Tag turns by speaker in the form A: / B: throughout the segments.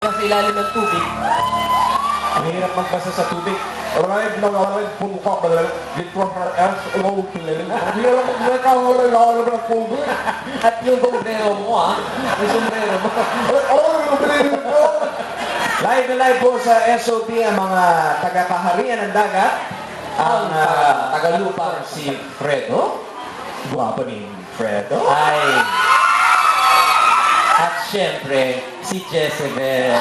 A: Sa ilalim ng tubig.
B: Ang hirap magbasa sa tubig. Arrive na arrive, puno ka, litro her ass, low killing. Ang hirap magbasa, wala ng tubig.
A: At yung sombrero mo, yung sombrero mo.
C: Live na live po sa SOT ang mga taga-kaharian ng dagat. Ang tagalupang si Fredo. Guwapo ni Fredo.
A: Ay. At syempre, si Jezebel.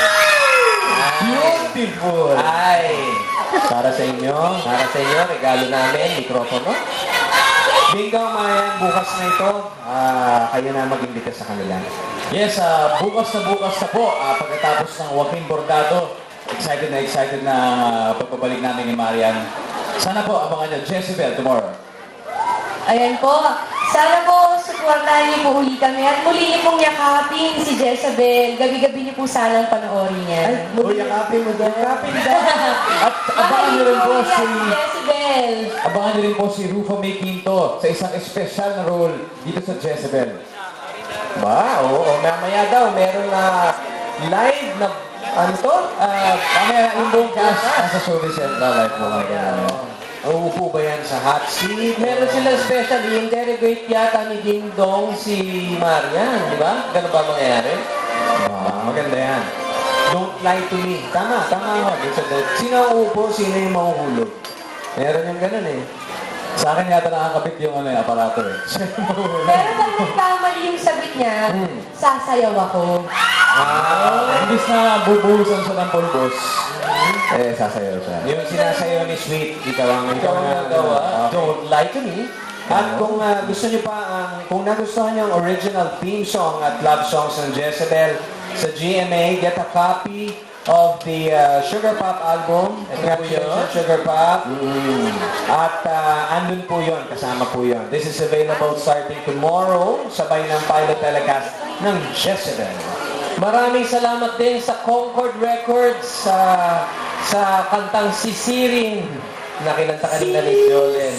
C: Beautiful!
A: Ay.
C: Para sa inyo,
A: Regalo namin, mikropono.
C: Binggang Mayan, bukas na ito, kayo na mag-imbita sa kanila.
D: Yes, bukas na po, pagkatapos ng Joaquin Bordado, excited na pagbabalik namin ni Marian. Sana po abangan nyo, Jezebel, tomorrow.
E: Ayan po. Sana po, supportahan niyo po uli kami at muli niyo pong yakapin si Jezebel. Gabi-gabi niyo po sanang panoorin yan.
C: Yakapin mo daw. Yakapin daw.
D: At abangan nyo rin po si...
E: Jezebel.
D: Abangan nyo rin po si Rufo May Quinto sa isang espesyal na role dito sa Jezebel.
C: Ba, oo. Mamaya daw, meron na live na, ano to?
D: Mamaya yung buong cast nasa Showbiz Central Live po mga
C: Uupo ba yan sa hot seat?
A: Meron silang special, i-interrogate yata ni Ding Dong si Marian, di ba? Ganun ba mangyayari?
C: Maganda yan. Don't lie to me. Tama ako. Sino ang uupo, sino yung mahuhulog? Meron yung ganun eh.
D: Sa akin yata nakakabit yung aparato eh.
E: Pero pag nagkamali yung sabit niya, sasayaw ako.
D: Imbis na bubuhusan siya ng pulbos, sasayaw siya.
C: Yung sinasayaw ni Sweet, ikaw ang
A: nagawa.
C: Don't lie to me. At kung gusto niyo pa, kung nagustuhan niyo ang original theme song at love songs ng Jezebel sa GMA, get a copy of the Sugar Pop album. Ito po yun, Sugar Pop. At andun po yun, kasama po yun. This is available starting tomorrow, sabay ng pilot telecast ng Jezebel.
A: Maraming salamat din sa Concord Records sa kantang Sisirin na kinanta kanina ni Jolen.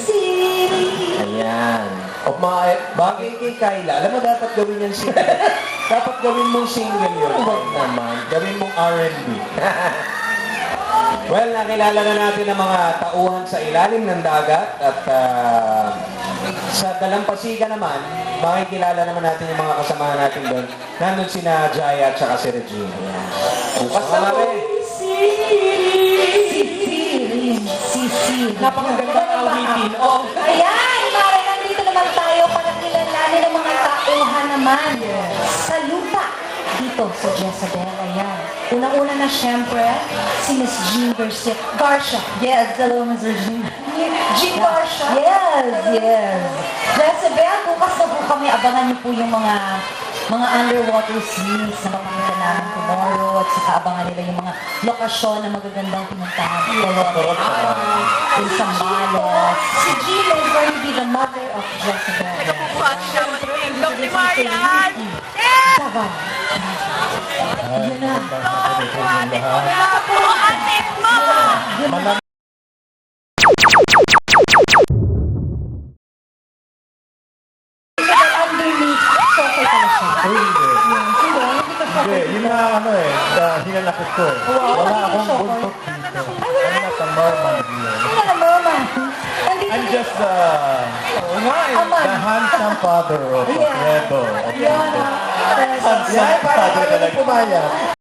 C: Ayan. O bagay kay Kyla, alam mo dapat gawin yan single. Dapat gawin mong single yun. Huwag naman. Gawin mong R&B. Well, nakilala na natin ang mga tauhan sa ilalim ng dagat at sa Dalampasigan naman, makikilala naman natin yung mga kasamahan natin doon. Nandun sina Jaya at saka si Regine.
A: Bukas na po.
E: Napakagandang
A: awitin. Oh.
E: Ayan, Mare, nandito naman tayo para kilalanin ng mga tauhan naman sa lupa dito sa Jezebel. Ayan. Unang-una na siyempre, si Miss Jean Garcia. Yes, hello, Miss Jean. Jean Garcia? Yes. Jezebel, bukas na po kami. Abangan niyo po yung mga underwater scenes na mapakita namin tomorrow at saka abangan nila yung mga lokasyon na magagandang pinuntahan. In Zambales. Si Jean is going to be the mother of Jezebel. Davao. Yun na. Underneath, social pala siya.
B: Hindi, yun na hinalakit ko eh. Wala akong buntot dito. I'm not a merman here.
E: Hindi na merman.
B: I'm just the handsome father of Fredo.
E: Yun.
B: Handsome father talaga.